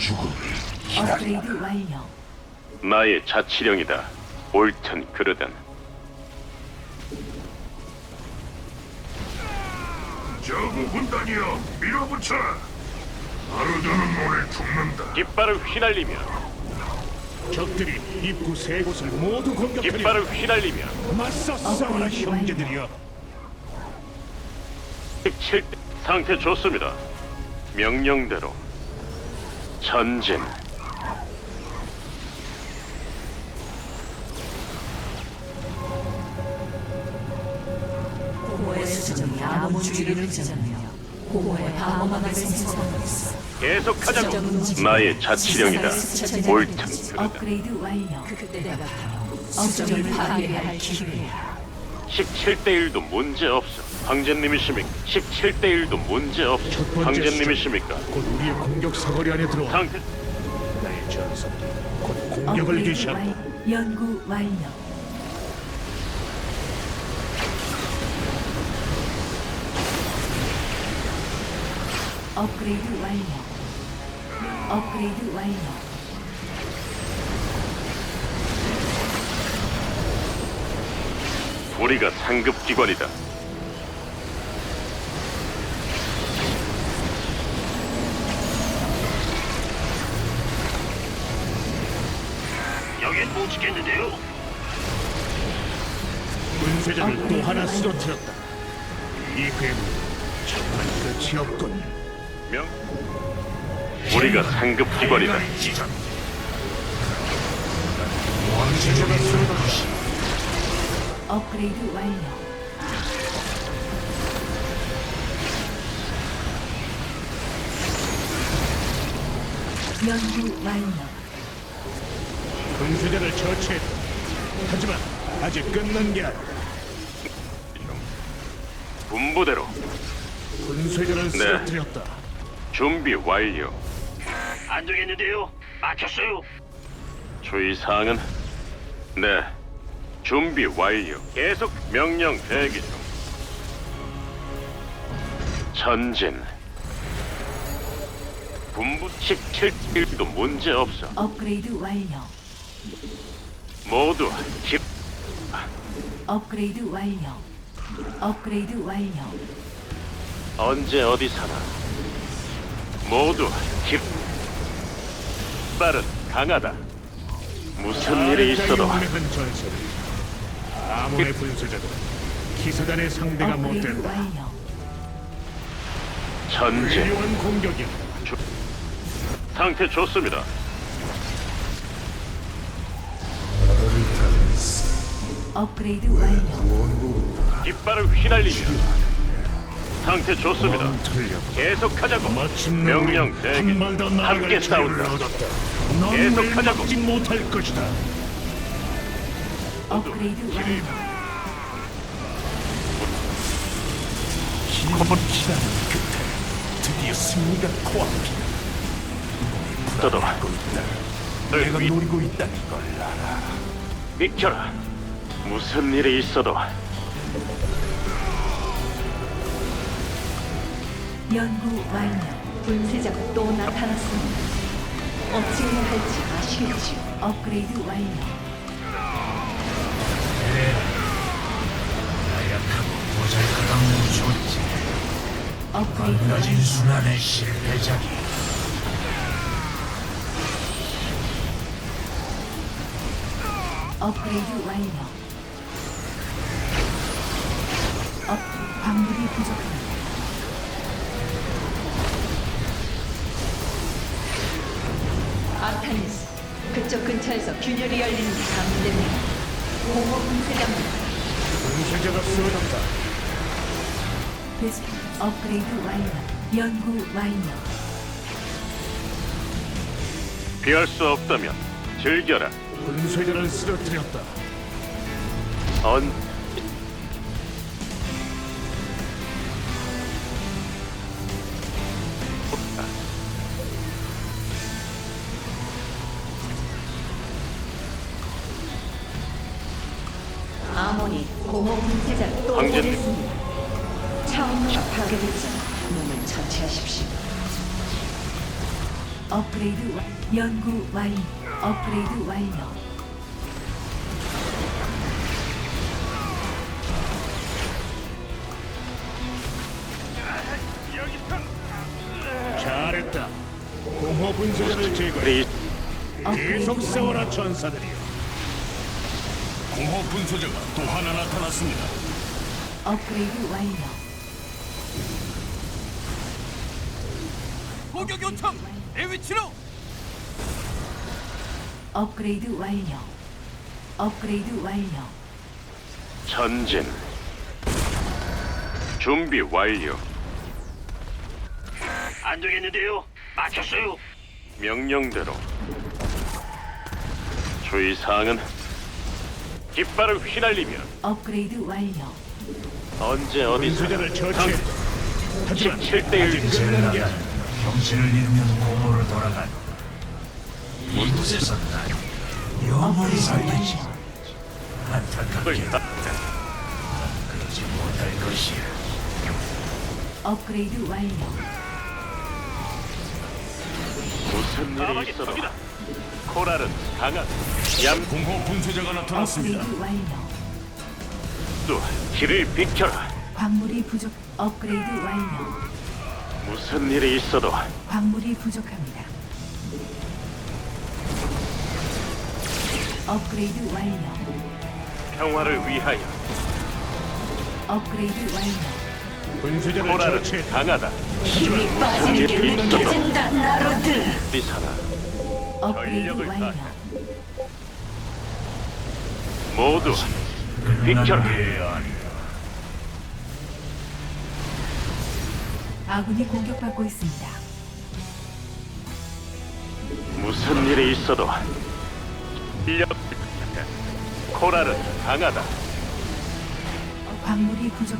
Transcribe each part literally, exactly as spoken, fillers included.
업그레이드 완료. 나의 자치령이다. 옳든 그르든. 저구 군단이여 밀어붙여라. 하루도는 오늘 죽는다. 깃발을 휘날리며 적들이 입구 세 곳을 모두 공격하려 깃발을 휘날리며 맞서 싸워라 형제들이여. 십칠 대 상태 좋습니다. 명령대로 전진. 공허의 수정이 아몬 주위를 찢어내며 공허의 방어막을 생성하고 있어. 계속하자고. 나의 자치령이다. 옳든 그르든. 업그레이드 완료. 그때가 바로 수정을 파괴해야 할 기회야. 십칠 대 일도 문제 없어. 황제님이십니까? 십칠 대 일도 문제 없어. 첫 번째 황제님이십니까? 곧 우리의 공격 사거리 안에 들어와. 상태 나의 전사들이 곧 공격을 업그레이드 개시한다. 완- 연구 완료. 업그레이드 완료. 업그레이드 완료. 우리가 상급 기관이다. 여긴 못 지켰는데요. 분쇄자를 또 하나 쓰러뜨렸다. 이 괴물 정말 끝이 없군. 명 우리가 상급 기관이다. 왕제자가 쓰러졌다. 업그레이드 완료. 연구 완료. 분쇄자를 처치했다. 하지만 아직 끝난 게 아니야. 분부대로 분쇄자를 쓰러뜨렸다. 준비 완료. 안 되겠는데요. 막혔어요. 주의 사항은 네. 준비 완료. 계속 명령 대기 중. 전진. 분부 십칠 일도 문제 없어. 업그레이드 완료. 모두 집 업그레이드 완료. 업그레이드 완료. 언제 어디 사나. 모두 집 빠른 강하다. 무슨 일이 있어도 용맹한 전설. 아몬의 분쇄자들은 기사단의 상대가 못 업그레이드 된다. 완료. 전진. 훌륭한 공격이야. 상태 좋습니다. 업그레이드 완료. 깃발을 휘날리며 상태 좋습니다. 틀려. 계속하자고. 마침내 명령 우린 대기. 한발 더 나아갈 함께 기회를 싸운다. 얻었다. 넌 계속하자고. 우릴 막지 못할 것이다. 업그레이드 완료. 긴 기다림 끝에 드디어 승리가 코앞이다. 떠도 내가 노리고 있다는 걸 알아. 비켜라. 무슨 일이 있어도 연구 완료. 분쇄자가 또 나타났습니다. 어찌해야 할지 아시겠지요? 업그레이드 완료. 나약하고 모자이크당는 존재. 업그레이드 낮은 완료. 순환의 실패작이. 업그레이드 완료. 업 광물이 부족합니다. 아타니스, 그쪽 근처에서 균열이 열리는 게 감지됩니다. 공허 분쇄자입니다. 분쇄자가 쓰러졌다. 베스트 업그레이드 완료. 연구 완료. 피할 수 없다면 즐겨라. 분쇄자를 쓰러뜨렸다. 언 아몬이 공허 분쇄자를 또 황제님. 보냈습니다. 차원로가 파괴됐지만 놈을 처치하십시오. 업그레이드 완 연구 완료. 업그레이드 완료. 잘했다. 공허 분쇄자를 제거해. 그리 계속 업그레이드 싸워라 완료. 전사들이여. 공허 분소자가 또 하나 나타났습니다. 업그레이드 완료. 공격 요청. 내 위치로. 업그레이드 완료. 업그레이드 완료. 전진. 준비 완료. 안 되겠는데요. 막혔어요. 명령대로. 주의 사항은 깃발을 휘날리며 업그레이드 완료. 언제 어디서 분쇄자를 처치해. 하지만 십칠 대 일. 아직 끝난 게 아니야. 정신을 잃으면 공허로 돌아간. 이곳에서 난 영원히 살겠지. 안타깝게 그걸 그러지 못할 것이야. 업그레이드 완료. 무슨 일이 있어도 코랄은 강한 얌도 공허 분쇄자가 나타났습니다. 업그레이드 완료. 길을 비켜라. 광물이 부족. 업그레이드 완료. 무슨 일이 있어도 광물이 부족합니다. 업그레이드 완료. 평화를 위하여 업그레이드 완료. 분쇄자를 코랄은 처치해. 강하다. 힘이 무슨 일이 있어도 나로들. 어디 사나 업그레이드 전력을 완료. 다해. 모두 비켜라. 아군이 공격받고 있습니다. 무슨 일이 있어도 인력 코랄은 강하다. 광물이 부족.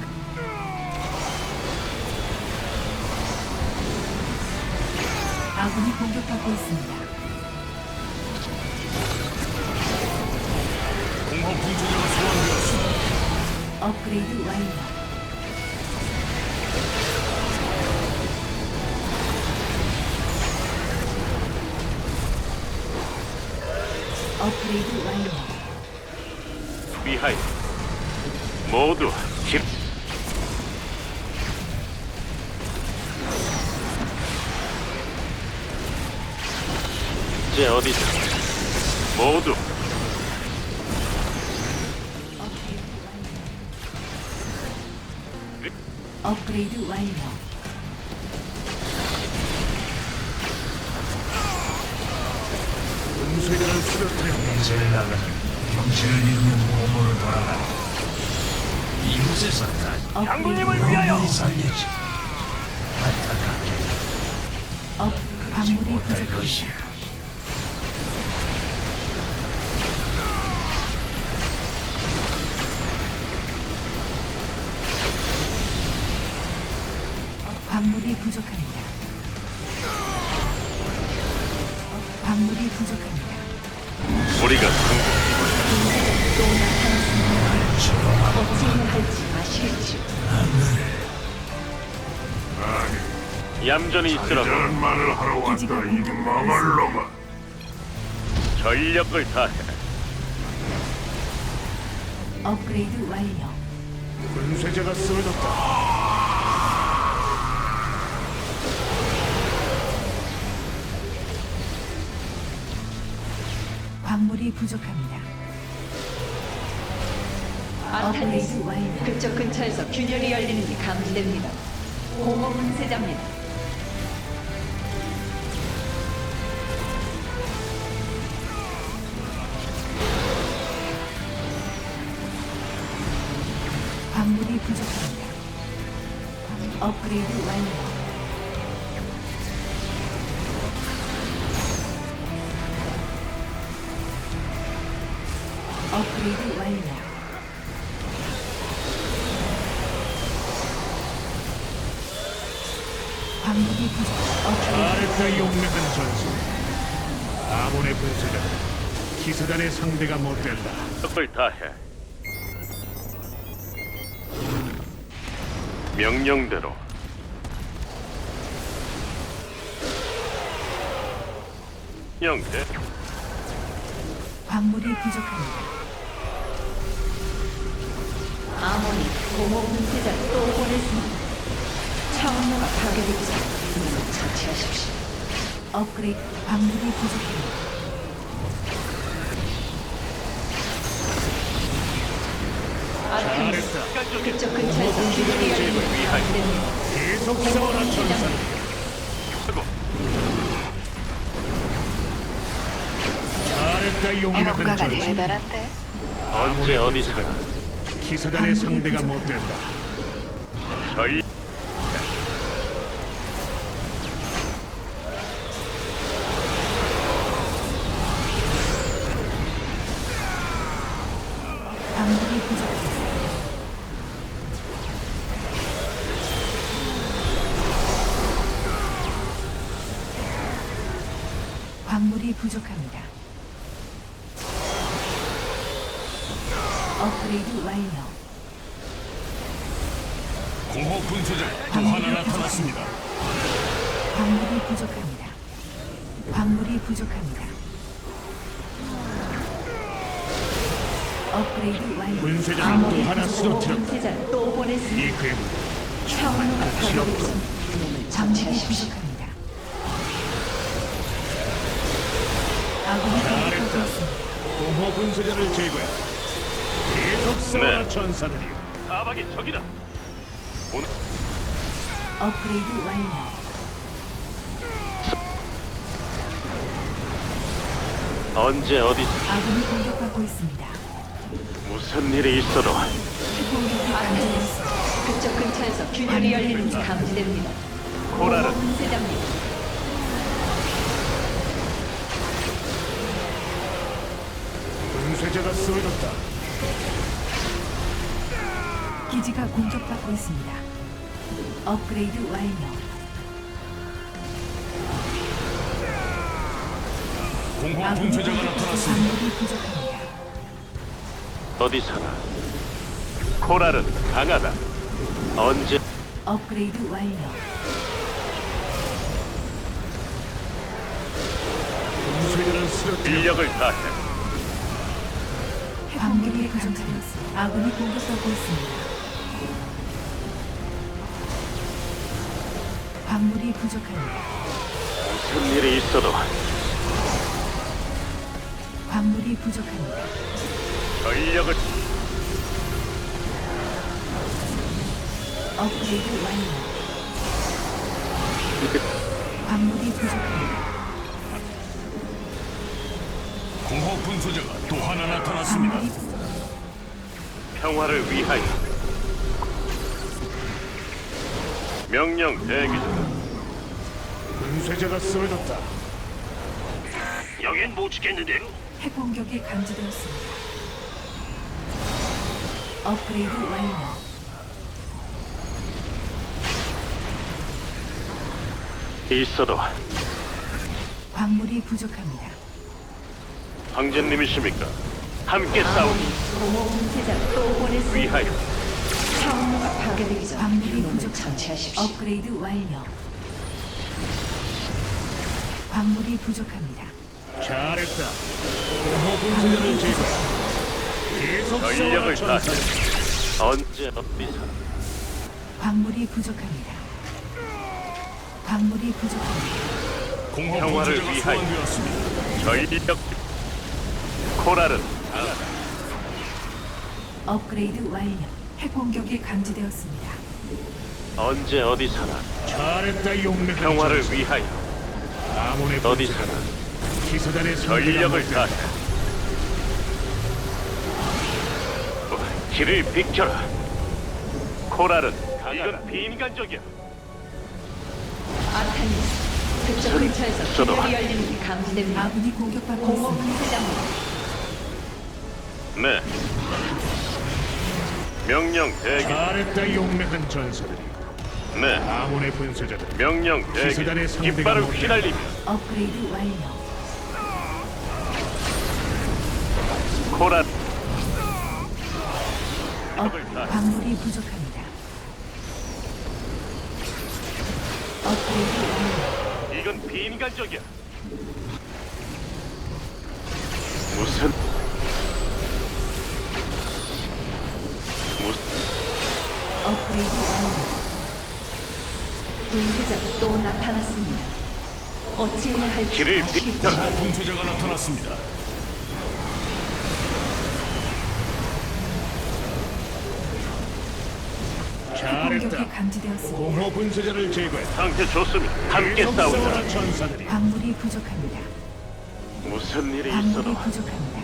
아군이 공격받고 있습니다. 공허 분쇄자가 소환되었습니다. 업그레이드 완료. 업그레이드 완료. 위하여 모두 집 이제 어디서 모두 업그레이드 완료. 분쇄자를 쓰러뜨려. 인생을 나가는 정신을 잃으면 공허로 돌아간. 이곳에서 난 업그레이드 영원히 살겠지. 안타깝게 업 광물이 못할 부족. 것이야. 광물이 부족합니다. 광물이 부족합니다. 우리가 승부 어찌해야 할지 아시겠죠? 얌전히 있으라고 말을 하러 기지가 공격받고 있습니다. 전력을 다해. 업그레이드 완료. 분쇄자가 쓰러졌다. 광물이 부족합니다. 아타니스 업그레이드 완료. 그쪽 근처에서 균열이 열리는 게 감지됩니다. 공허 분쇄자입니다. 광물이 부족합니다. 업그레이드 완료. 업그레이드 완료. 광물이 부족. 업그레이드 잘했다 용맹한 전술. 아몬의 분쇄자는 기사단의 상대가 못된다. 전력을 다해. 명령대로 영대 광물이 부족합니다. 아몬이 공허 분쇄자를 또 보냈습니다. 차원로가 파괴되기 전 이놈을 처치하십시오. 업그레이드 광물이 부족합니다. 아타니스 인간적인 그쪽 근처에서 균열이 열리는 감지됩니다. 계속 싸워라 전사. 쓰고 잘했다 용맹한 전사. 언제 어디서나 기사단의 상대가 못 된다. 저희 광물이 부족합니다. 광물이 부족합니다. 업그레이드 완료. 공허 분쇄자 또 광물이 하나 나타났습니다. 광물이 부족합니다. 광물이 부족합니다. 업그레이드 완료. 분쇄자는 또 하나 공허 쓰러뜨렸다. 분쇄자를 또 보냈습니다. 이 괴물 차원로가 끝이 파괴되기 없다. 전 이놈을 광물이 처치하십시오. 부족합니다. 아군이 공격하고 잘했다. 있습니다. 공허 분쇄자를 제거해. 계속 싸워라 네. 전사들이. 사박이 적이다. 오늘 업그레이드 완료. 언제 어디 아군이 공격받고 있습니다. 무슨 일이 있어도 공격이 감지되었습니다. 그쪽 근처에서 균열이 열리는 게 감지됩니다. 코라는 공허 분쇄자입니다. 분쇄자가 쓰러졌다. 기지가 공격받고 있습니다. 업그레이드 완료. 공허 아군이 분쇄자가 공격받고 나타났습니다. 광물이 부족합니다. 어디서나 코랄은 강하다. 언제 업그레이드 완료. 분쇄자는 쓰러뜨렸다. 인력을 다해 광물이 부족합니다. 아군이 공격받고 있습니다. 광물이 부족합니다. 무슨 일이 있어도 광물이 부족합니다. 전력을 업그레이드 완료. 광물이 부족합니다. 공허 분쇄자가 또 하나 나타났습니다. 광물이 평화를 위하여 명령 대기 중. 분쇄자가 쓰러졌다. 여긴 못 지켰는데요. 핵 공격이 감지되었습니다. 업그레이드 완료. 있어도 광물이 부족합니다. 황제님이십니까? 함께 싸우기 아몬이 공허 분쇄자를 또 보냈습니다. 위하여 차원로가 파괴되기 전 광물이 이놈을 부족합니다. 처치하십시오. 업그레이드 완료. 광물이 부족합니다. 잘했다. 공허 분쇄자를 제거해. 계속 전력을 싸워라 다해 전사. 언제 어디서 광물이 부족합니다. 광물이 부족합니다. 공허 평화를 분쇄자가 위하여. 소환되었습니다. 전력 코랄은 강하다. 업그레이드 완료. 핵 공격이 감지되었습니다. 언제 어디서나 잘했다 용맹한 평화를 전사. 위하여 아몬의 어디서나 분쇄자가 기사단의 상대가 전력을 못 된다. 다해 길을 비켜라. 코랄은 강하다. 이건 비인간적이야. 아타니스 그쪽 근처에서 저도. 균열이 열리는 게 감지됩니다. 아군이 공격받고 공허 있습니다. 분쇄자입니다. 네. 명령 대기. 잘했다 용맹한 전사들이. 네. 아몬의 분쇄자들. 명령 대기. 기사단의 상대가 깃발을 못된다. 휘날리며 업그레이드 완료. 코랄 업, 적을 다- 광물이 부족합니다. 업그레이드 완료. 이건 비인간적이야. 분쇄자가 또 나타났습니다. 어찌해야 할지 길을 아시겠죠? 비켜라. 분쇄자가 나타났습니다. 잘했다. 공격이 감지되었습니다. 공허 분쇄자를 제거했다. 상태 좋습니다. 함께 계속 싸우자. 싸워라 전사들이. 광물이 부족합니다. 무슨 일이 광물이 있어도 부족합니다.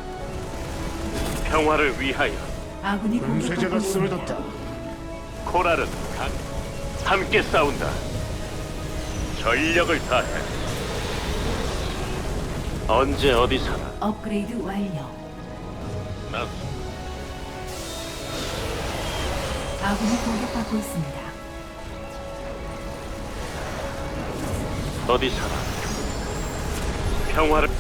평화를 위하여. 아군이 분쇄자가 공격받고 있습니다. 쓰러졌다. 코랄은 강. 함께 싸운다. 전력을 다해. 언제 어디서나 업그레이드 완료. 난 아군이 공격받고 있습니다. 어디서나 평화를.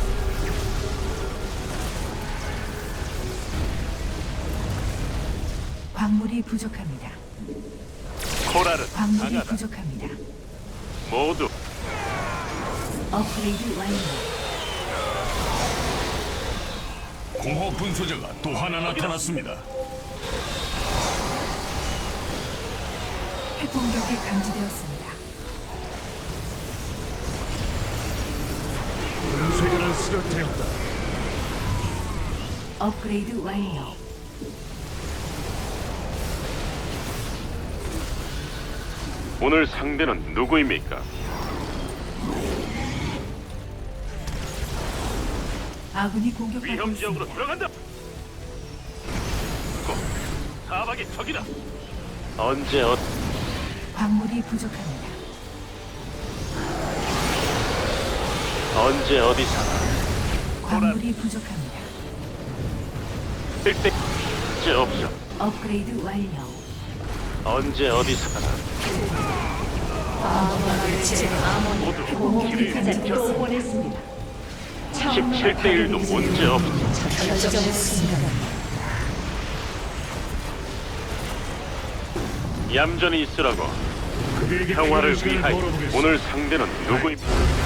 광물이 부족합니다. 코랄은 광물이 강하다. 부족합니다. 모두 업그레이드 완료. 공허 분쇄자가 또 하나 나타났습니다. 핵공격이 감지되었습니다. 분쇄자를 쓰러뜨렸다. 업그레이드 완료. 오늘 상대는 누구입니까? 아군이 공격받고 위험 지역으로 있습니다. 들어간다. 고, 사박의 적이다. 언제 어 광물이 부족합니다. 언제 어디서나 광물이 부족합니다. 일대 언제 없어. 업그레이드 완료. 언제 어디서나 모두 공허 길을 분쇄자를 비켜라. 또 보냈습니다. 십칠 대 일도 문제 없어. 얌전히 있으라고. 그에게 평화를 필요한 시간을 위하여. 벌어보겠어. 오늘 상대는 누구입니까?